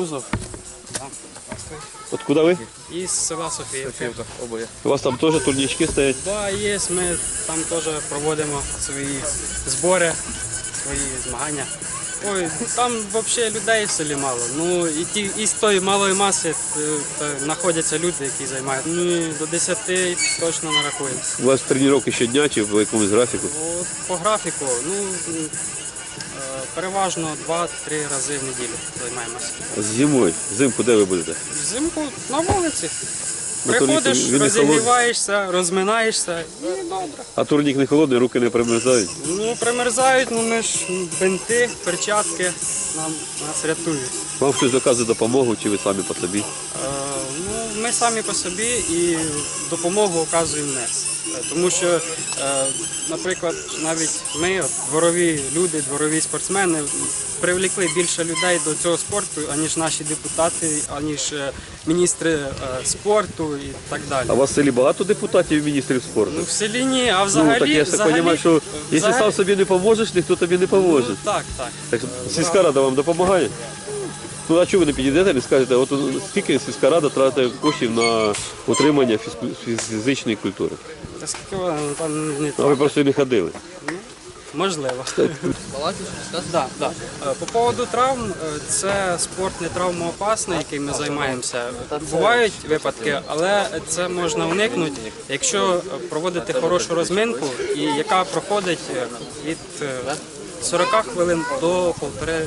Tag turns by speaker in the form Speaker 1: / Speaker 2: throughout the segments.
Speaker 1: Кутузов. Да.
Speaker 2: Откуда ви?
Speaker 1: Із села Софіївка.
Speaker 2: У вас там теж турнічки стоять?
Speaker 1: Да, є, ми там теж проводимо свої збори, свої змагання. Ой, там взагалі людей в селі мало. Ну, і з тої малої маси знаходяться люди, які займають. Ну, до 10 точно нарахуємо.
Speaker 2: У вас тренування щодня чи в якомусь графіку?
Speaker 1: От, по графіку, ну, переважно 2-3 рази в неділю займаємося.
Speaker 2: Зимою? Взимку де ви будете?
Speaker 1: Взимку на вулиці.
Speaker 2: На турніку
Speaker 1: Приходиш,
Speaker 2: він не
Speaker 1: розігріваєшся, розминаєшся і добре.
Speaker 2: А турнік не холодний, руки не примерзають?
Speaker 1: Ну, примерзають, ну ми ж бинти, перчатки нас рятують.
Speaker 2: Вам хтось доказує допомогу чи ви самі по собі?
Speaker 1: Ну, ми самі по собі і допомогу оказуємо НЕС. Тому що, наприклад, навіть ми, дворові люди, дворові спортсмени, привлекли більше людей до цього спорту, аніж наші депутати, аніж міністри спорту і так далі.
Speaker 2: А у вас в селі багато депутатів і міністрів спорту?
Speaker 1: Ну, в селі ні, а взагалі...
Speaker 2: Ну, так я так розумію, що якщо сам собі не поможеш, ніхто тобі не поможе.
Speaker 1: Ну, так.
Speaker 2: Так сільська рада вам допомагає? Ну, а чого ви не підійдете, не скажете, от скільки сільська рада тратить коштів на утримання фізичної культури?
Speaker 1: Та скільки вона там не
Speaker 2: А ви просто не ходили?
Speaker 1: Можливо. Да. По поводу травм, це спорт не травмоопасний, яким ми займаємося. Бувають випадки, але це можна уникнути, якщо проводити хорошу розминку, і яка проходить від 40 хвилин до півтори.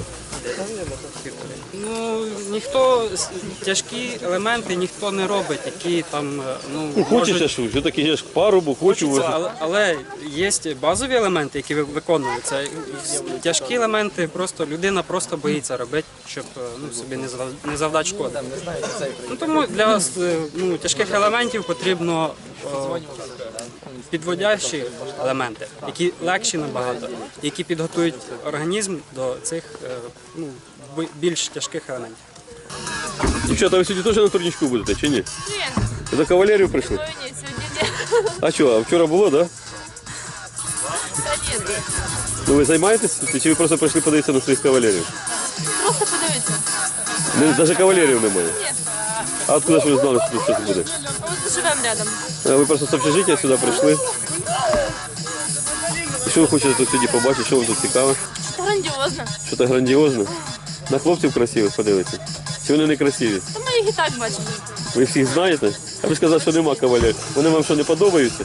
Speaker 1: Ну, тяжкі елементи ніхто не робить, які там,
Speaker 2: Хочеться, що таке ж парубу, хочу.
Speaker 1: Але є базові елементи, які виконуються. Тяжкі елементи людина просто боїться робити, щоб собі не завдати шкоди. Тому для тяжких елементів потрібно підводящі елементи, які легші набагато, які підготують організм до цих більш тяжких елементів.
Speaker 2: Дівчата, ви сьогодні теж на турнічку будете, чи ні?
Speaker 3: Ні.
Speaker 2: За кавалерію прийшли?
Speaker 3: Ні, сьогодні ні.
Speaker 2: А що, а вчора було, так?
Speaker 3: Та ні.
Speaker 2: Ну ви займаєтесь чи ви просто прийшли подивитися на своїх кавалерів?
Speaker 3: Просто подивитися.
Speaker 2: Навіть кавалерів немає?
Speaker 3: Ні.
Speaker 2: А откуда ж ви знали, що тут щось буде?
Speaker 3: А от живемо рядом.
Speaker 2: Ви просто з общежиття сюди прийшли? І що ви хочете тут сьогодні побачити, що вам тут цікаво?
Speaker 3: Це грандіозно.
Speaker 2: Що це грандіозно? На хлопців красивих подивитися? Чи вони не красиві?
Speaker 3: Та ми їх і так бачимо.
Speaker 2: Ви всіх знаєте? А ви сказали, що нема кавалерів. Вони вам що, не подобаються?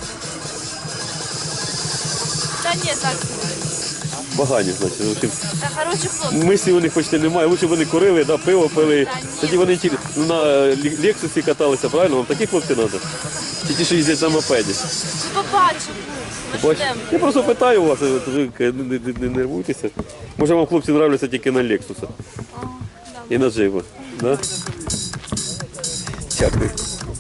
Speaker 3: Та ні, так.
Speaker 2: Погані, значить. В общем,
Speaker 3: Та хороші хлопці.
Speaker 2: мислі у них почти немає. Лучше б вони курили, да, пиво пили. Тоді вони на Лексусі каталися, правильно? Вам такі хлопці треба? Чи ті, що їздять на мопеді?
Speaker 3: Ми побачимо. Ми ж йдемо.
Speaker 2: Я просто питаю вас, ви не нервуйтеся. Може вам хлопці нравляться тільки на Лексуса і на Джейба. Да? Дякую.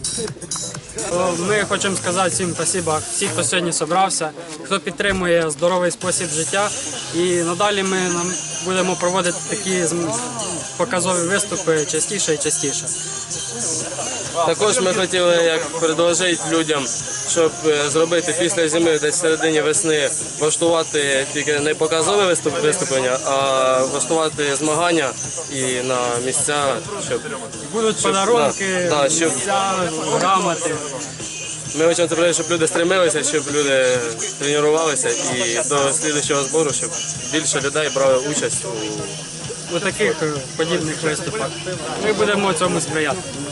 Speaker 1: Ми хочемо сказати всім спасибо, всім, хто сьогодні зібрався, хто підтримує здоровий спосіб життя. І надалі ми будемо проводити такі показові виступи частіше і частіше.
Speaker 4: Також ми хотіли предложити людям, щоб зробити після зими, десь в середині весни, влаштувати тільки не показове виступлення, а влаштувати змагання і на місця, щоб...
Speaker 1: Будуть подарунки, місця, грамоти.
Speaker 4: Ми хочемо зробити, щоб люди стремилися, щоб люди тренувалися і до слідчого збору, щоб більше людей брали участь
Speaker 1: У таких подібних виступах. Ми будемо цьому сприяти.